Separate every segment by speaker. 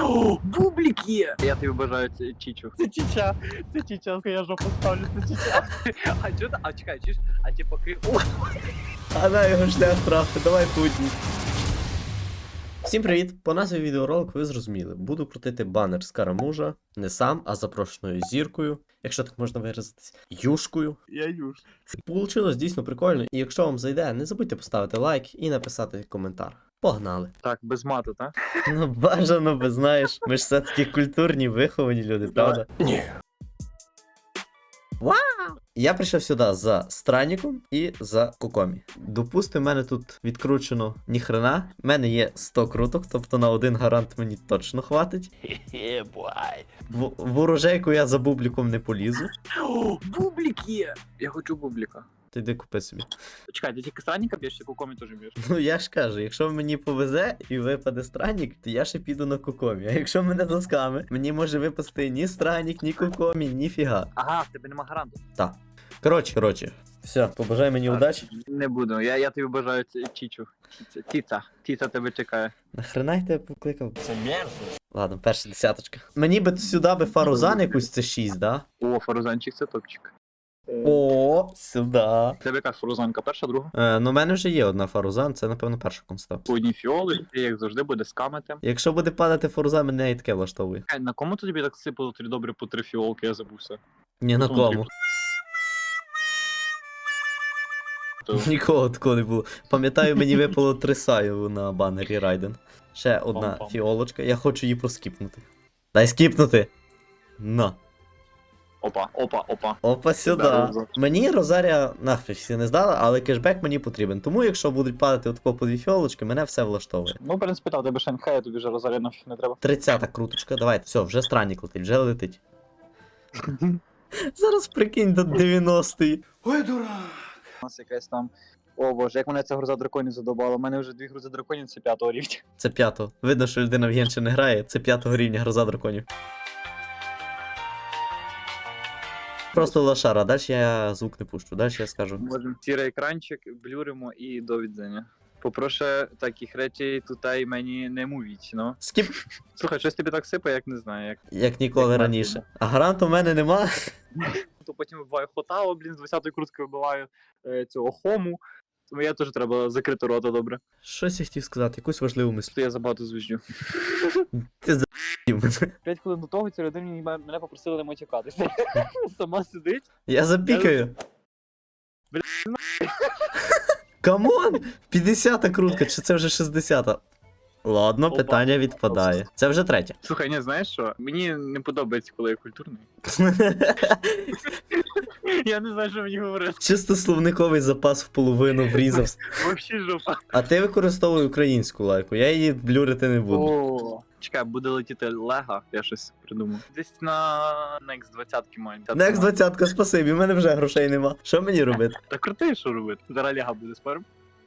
Speaker 1: Бублик є! Я тобі бажаю чічу.
Speaker 2: Це чіча, я жопу ставлю, це чіча.
Speaker 1: А чого ти? А чекай, чиш? А ти поки...
Speaker 3: А на його шлях трафи, давай путні. Всім привіт! По назві відеоролику ви зрозуміли. Буду крутити банер з Карамужа. Не сам, а запрошеною зіркою. Якщо так можна виразитись. Юшкою.
Speaker 2: Я юж.
Speaker 3: Получилось дійсно прикольно. І якщо вам зайде, не забудьте поставити лайк і написати коментар. Погнали!
Speaker 1: Так, без мату, так?
Speaker 3: Ну бажано би, знаєш. Ми ж все-таки культурні, виховані люди, правда? Ні. Вау! Я прийшов сюди за Странником і за Кокомі. Допустим, в мене тут відкручено ніхрена. В мене є 100 круток, тобто на один гарант мені точно хватить. В ворожейку я за бубліком не полізу.
Speaker 1: Бублик є! Я хочу бублика.
Speaker 3: Ти йди купи собі.
Speaker 1: Чекай, ти тільки странника б'єш, чи кукомі теж б'єш?
Speaker 3: Ну я ж кажу, якщо мені повезе і випаде Странник, то я ще піду на Кокомі. А якщо мене досками, мені може випасти ні Странник, ні Кокомі, ні фіга.
Speaker 1: Ага, в тебе нема гаранту.
Speaker 3: Так. Коротше. Все, побажай мені удачі.
Speaker 1: Не буду, я тобі бажаю чічу. Тіца тебе чекає.
Speaker 3: Нахрена я тебе покликав? Це мерзость. Ладно, перша десяточка. Мені би сюди би фарузан якусь це 6, да?
Speaker 1: О, фарузанчик це топчик.
Speaker 3: О, сюди.
Speaker 1: Тебе яка фарузанка, перша, друга?
Speaker 3: Ну, в мене вже є одна фарузан, це, напевно, перша комста.
Speaker 1: По одній фіоли, і як завжди буде скамити.
Speaker 3: Якщо буде падати фарузан, мене і таке влаштовує.
Speaker 1: На кому тобі так сипало тобі добре по 3 фіолки, я забувся.
Speaker 3: Ні на кому. Нікого такого не було. Пам'ятаю, мені випало 3 саю на банері Райден. Ще одна фіолочка, я хочу її проскіпнути. Дай скіпнути! На.
Speaker 1: Опа.
Speaker 3: Опа, сюди.
Speaker 1: Здорово.
Speaker 3: Мені Розарія нахрен всі не здала, але кешбек мені потрібен. Тому якщо будуть падати отако по 2 фіолочки, мене все влаштовує.
Speaker 1: Ну, в принципі, так, тебе Шанхай, тобі вже Розарія нафіг не треба.
Speaker 3: 30-та круточка, давайте, все, вже Странник летить, вже летить. Зараз прикинь до 90-ї.
Speaker 1: Ой, дурак! У нас якась там... О боже, як мене ця груза драконів задобала. У мене вже 2 грузи драконів, це 5-го рівня.
Speaker 3: Це 5-го. Видно, що людина в Генші не грає, це 5-го рівня гроза драконів. Просто лошара, далі я звук не пущу, далі я скажу.
Speaker 1: Можемо сірий екранчик, блюримо і до відзення. Попрошу таких речей тут і мені не мовіть, ну.
Speaker 3: Скіп,
Speaker 1: Слухай, щось тобі так сипає, як не знаю,
Speaker 3: як ніколи
Speaker 1: Як
Speaker 3: раніше.
Speaker 1: Мартина.
Speaker 3: А гаранту в мене нема.
Speaker 1: То потім вибиваю Хотао, блін, з 20-ї крутки вибиваю цього Хому. Тому я теж треба закрити рота, добре.
Speaker 3: Щось я хотів сказати, якусь важливу мисль.
Speaker 1: То я забагато звіжджу.
Speaker 3: Ти за***ів.
Speaker 1: 5 хвилин до того ці людині мене попросили не матюкатися. Сама сидить.
Speaker 3: Я запікаю. Камон! 50-та крутка, чи це вже 60-та? Ладно,
Speaker 1: Опа.
Speaker 3: питання відпадає. Це вже третя.
Speaker 1: Слухай, ні, знаєш що? Мені не подобається, коли я культурний. Я не знаю, що мені говорити.
Speaker 3: Чисто словниковий запас в половину врізався.
Speaker 1: Вообще жопа.
Speaker 3: А ти використовуй українську лайку, я її блюрити не буду.
Speaker 1: О, чекай, буде летіти Лего, я щось придумав. Десь на Next 20 маю.
Speaker 3: Next 20-ка, спасибі, в мене вже грошей нема. Що мені робити?
Speaker 1: Та крути, що робити? Зараз Лего буде спорим.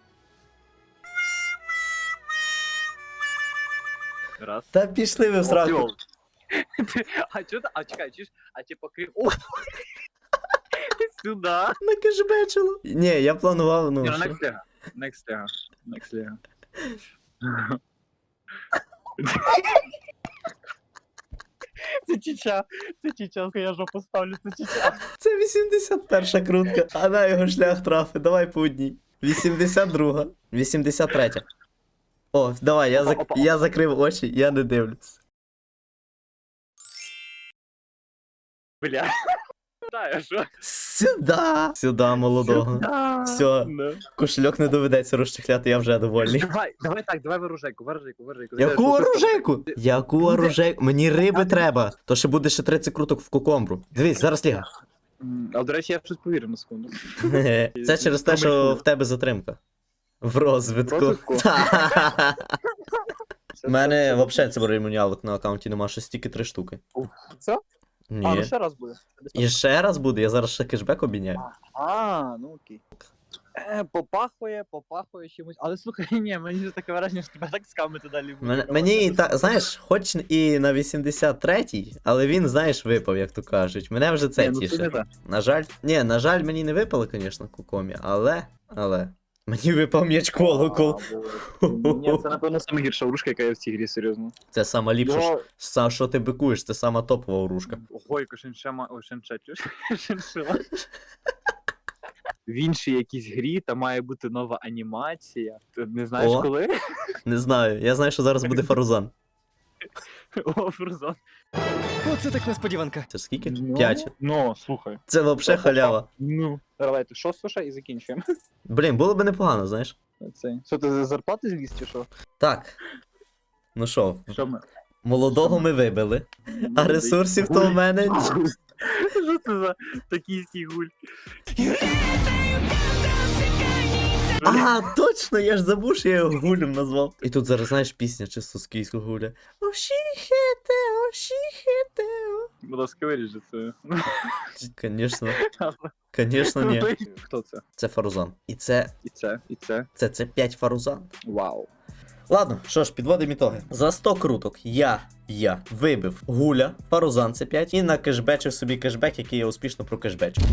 Speaker 1: Раз.
Speaker 3: Та пішли ви в сраку.
Speaker 1: А чого ти? А чекай, чиш? А ти поки... О! Сюда.
Speaker 3: Накешбечило. Ні, я планував, ну.
Speaker 1: Ні, ну
Speaker 3: що?
Speaker 1: Next Lego. Next Lego.
Speaker 2: Це чіча, я жопу ставлю, це чіча.
Speaker 3: Це 81-ша крутка, а на його шлях трафи, давай по одній. 82-га, 83-я. О, давай, я закрив очі, я не дивлюсь.
Speaker 1: Бля. Да, що?
Speaker 3: Сюда, молодого. Все, кошельок не доведеться розчехляти, я вже довольний.
Speaker 1: Давай ворожейку.
Speaker 3: Яку оружейку? Яку оружейку? Мені риби треба. То ще буде ще 30 круток в кокомбру. Дивись, зараз ліга.
Speaker 1: А до речі, я щось повірив на секунду.
Speaker 3: Це через те, що в тебе затримка. В розвитку.
Speaker 1: Розвитку?
Speaker 3: У мене взагалі циборімоніалок на аккаунті нема, щось тільки 3 штуки.
Speaker 1: Це? А, ну
Speaker 3: Ні.
Speaker 1: ще раз буде.
Speaker 3: І ще раз буде, я зараз ще кешбек обміняю.
Speaker 1: А, ну окей. Попахує чимось. Але слухай, ні, мені вже таке враження, що тебе так скамити далі буде.
Speaker 3: Мені так, знаєш, хоч і на 83-й, але він, знаєш, випав, як то кажуть. Мене вже це
Speaker 1: Ні, ну, це не
Speaker 3: тіше.
Speaker 1: так.
Speaker 3: На жаль, мені не випало, звісно, Кокомі, але. Мені випав м'яч колокол.
Speaker 1: Ні, це напевно саме гірша оружка, яка є в цій грі, серйозно.
Speaker 3: Це сама ліпша,
Speaker 1: Його-
Speaker 3: що ти бикуєш, це сама топова оружка.
Speaker 1: Ого, яка шиншема. Ой, шиншила. В іншій якійсь грі там має бути нова анімація. Ти не знаєш
Speaker 3: О.
Speaker 1: коли?
Speaker 3: Не знаю, я знаю, що зараз буде Фарузан.
Speaker 1: О, Фрузон.
Speaker 4: Оце так несподіванка.
Speaker 3: Це ж скільки?
Speaker 1: Ну,
Speaker 3: 5.
Speaker 1: Ну, слухай.
Speaker 3: Це взагалі халява.
Speaker 1: Ну. Давайте, що слушай і закінчуємо.
Speaker 3: Блін, було б непогано, знаєш.
Speaker 1: Це. Що ти за зарплати зліз чи що?
Speaker 3: Так. Ну що,
Speaker 1: Що ми?
Speaker 3: молодого ми вибили, а ресурсів то в мене.
Speaker 1: Що це за токійський гуль?
Speaker 3: А, точно, я ж забув, що я його гулем назвав. І тут зараз, знаєш, пісня чисто з київського гуля. Ошіхете, ошіхете.
Speaker 1: Будь ласка, виріжи це.
Speaker 3: Конечно, ні.
Speaker 1: Хто це?
Speaker 3: Це Фарузан. І це
Speaker 1: І це.
Speaker 3: це 5 Фарузан.
Speaker 1: Вау.
Speaker 3: Ладно, що ж, підводимо ітоги. За 100 круток я вибив гуля, Фарузан це 5 і накешбечив собі кешбек, який я успішно прокешбечив.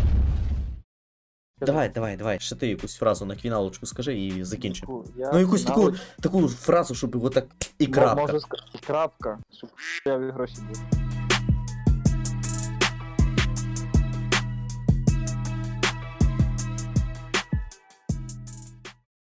Speaker 3: Давай, ще ти якусь фразу на квіналочку скажи і закінчимо. Ну якусь таку фразу, щоб його так і крапка.
Speaker 1: Може крапка, щоб я гроші був.